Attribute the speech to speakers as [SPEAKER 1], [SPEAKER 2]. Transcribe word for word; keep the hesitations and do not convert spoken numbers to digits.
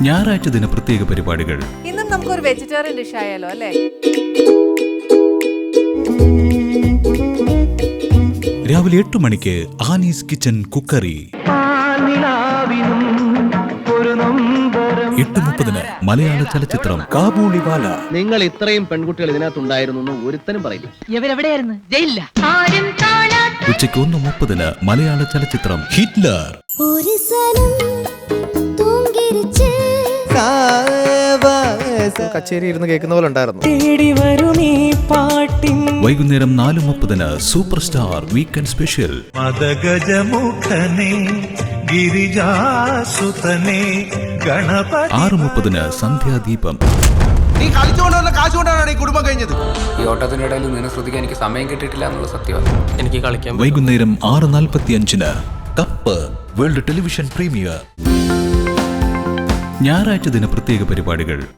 [SPEAKER 1] ഞായറാഴ്ച ദിന പ്രത്യേക പരിപാടികൾ.
[SPEAKER 2] ഇന്നും നമുക്കൊരു വെജിറ്റേറിയൻ ഡിഷ് ആയാലോ അല്ലേ?
[SPEAKER 1] രാവിലെ എട്ട് മണിക്ക് ആനീസ് കിച്ചൺ കുക്കറി. എട്ട് മുപ്പതിന് മലയാള ചലച്ചിത്രം കാബൂളിവാല.
[SPEAKER 3] നിങ്ങൾ ഇത്രയും പെൺകുട്ടികൾ ഇതിനകത്തുണ്ടായിരുന്നു ഒരുത്തനും പറയില്ല.
[SPEAKER 4] ഇവരെവിടെയായിരുന്നു? ജയിലില്ല.
[SPEAKER 1] ഉച്ചയ്ക്ക് ഒന്ന് മുപ്പതിന് മലയാള ചലച്ചിത്രം ഹിറ്റ്ലർ.
[SPEAKER 5] കച്ചേരി ഇരുന്ന് കേൾക്കുന്ന പോലെ ഉണ്ടായിരുന്നു.
[SPEAKER 1] വൈകുന്നേരം നാല് മുപ്പതിന് സൂപ്പർ സ്റ്റാർ വീക്കെൻഡ് സ്പെഷ്യൽ. ആറ് മുപ്പതിന് സന്ധ്യാദീപം.
[SPEAKER 6] നീ കളിച്ചുകൊണ്ടുവന്ന കാശുകൊണ്ടാണ് ഈ കുടുംബം കഴിഞ്ഞത്.
[SPEAKER 7] ഈ ഓട്ടത്തിനിടയിൽ നിന്നെ ശ്രദ്ധിക്കാൻ എനിക്ക് സമയം കിട്ടിയിട്ടില്ല എന്നുള്ള സത്യമാണ്. എനിക്ക് കളിക്കാൻ
[SPEAKER 1] വൈകുന്നേരം ആറ് നാൽപ്പത്തി അഞ്ചിന് കപ്പ് വേൾഡ് ടെലിവിഷൻ പ്രീമിയർ. ഞായറാഴ്ച ദിന പ്രത്യേക പരിപാടികൾ.